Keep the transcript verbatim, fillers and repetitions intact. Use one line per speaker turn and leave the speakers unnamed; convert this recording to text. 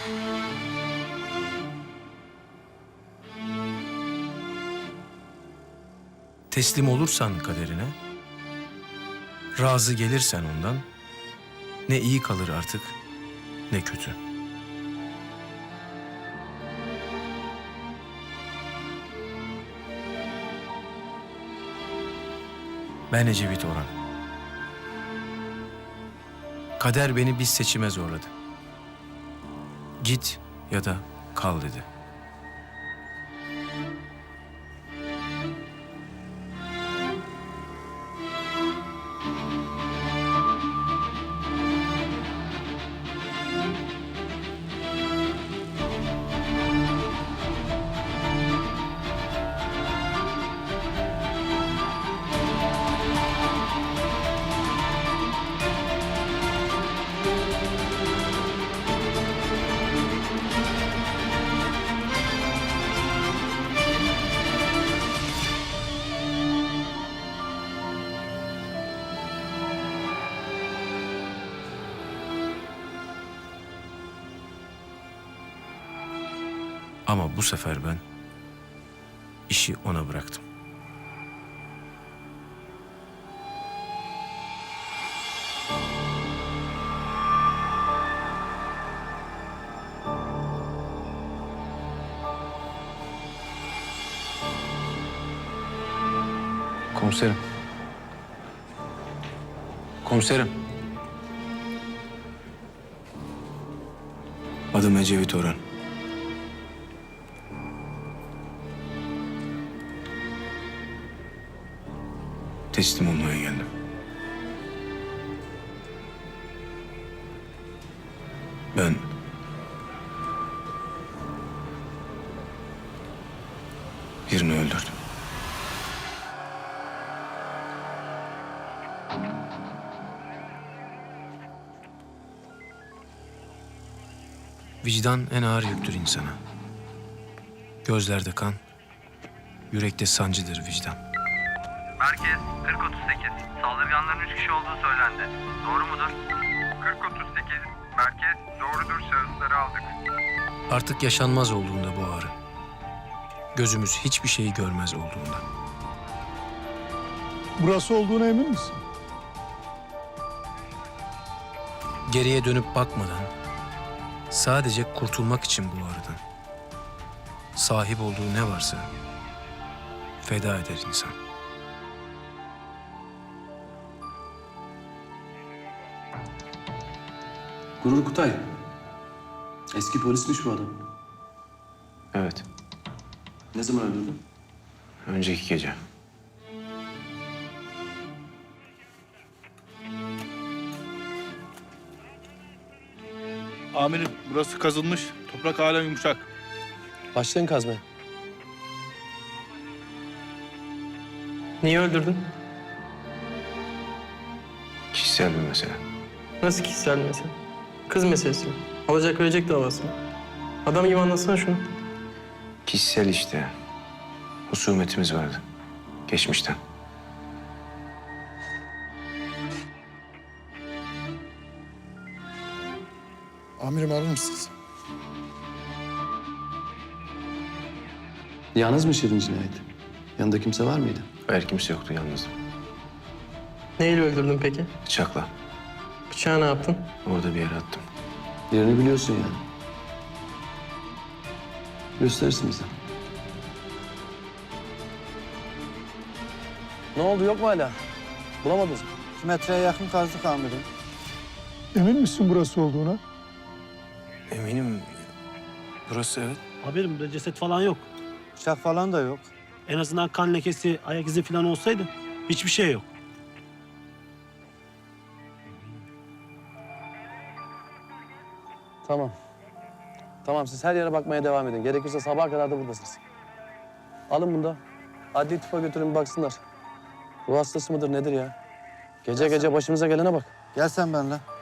Teslim olursan kaderine, razı gelirsen ondan, ne iyi kalır artık, ne kötü. Ben Ecevit Orhan. Kader beni bir seçime zorladı. Git ya da kal dedi. Ama bu sefer ben işi ona bıraktım. Komiserim. Komiserim. Adım Ecevit Orhan. Teslim olmaya geldim. Ben birini öldürdüm. Vicdan en ağır yüktür insana. Gözlerde kan, yürekte sancıdır vicdan.
Merkez kırk otuz sekiz. Saldırganların üç kişi olduğu söylendi. Doğru mudur? kırk otuz sekiz. Merkez doğrudur, şahısları aldık.
Artık yaşanmaz olduğunda bu ağrı. Gözümüz hiçbir şeyi görmez olduğunda.
Burası olduğuna emin misin?
Geriye dönüp bakmadan, sadece kurtulmak için bu ağrıdan, sahip olduğu ne varsa feda eder insan.
Gurur Kutay. Eski polismiş bu adam.
Evet,
Ne zaman öldürdün?
önceki gece.
Amirim, burası kazılmış. Toprak hala yumuşak.
Başlayın kazmaya.
Niye öldürdün?
Kişisel bir mesele.
Nasıl kişisel mesele? Kız meselesi mi? Alacak verecek davası mı? Adam gibi anlatsana şunu.
Kişisel işte. Husumetimiz vardı. Geçmişten.
Amirim arar mısınız?
Yalnız mı işledin cinayeti? Yanında kimse var mıydı?
Hayır, kimse yoktu, yalnızdım.
Neyle öldürdün peki?
Bıçakla.
Bıçağı ne yaptın?
Orada bir yere attım.
Yerini biliyorsun yani. Gösterirsin bize. Ne oldu, yok mu hala? Bulamadınız mı?
İki metreye yakın kazdık amirim.
Emin misin burası olduğuna?
Eminim burası evet.
Amirim burada ceset falan yok.
Bıçak falan da yok.
En azından kan lekesi, ayak izi falan olsaydı hiçbir şey yok.
Tamam. Tamam, siz her yere bakmaya devam edin. Gerekirse sabaha kadar da buradasınız. Alın bunu da. Adli tıpa götürün bir baksınlar. Ruh hastası mıdır nedir ya? Gece gece başımıza gelene bak.
Gel sen benimle.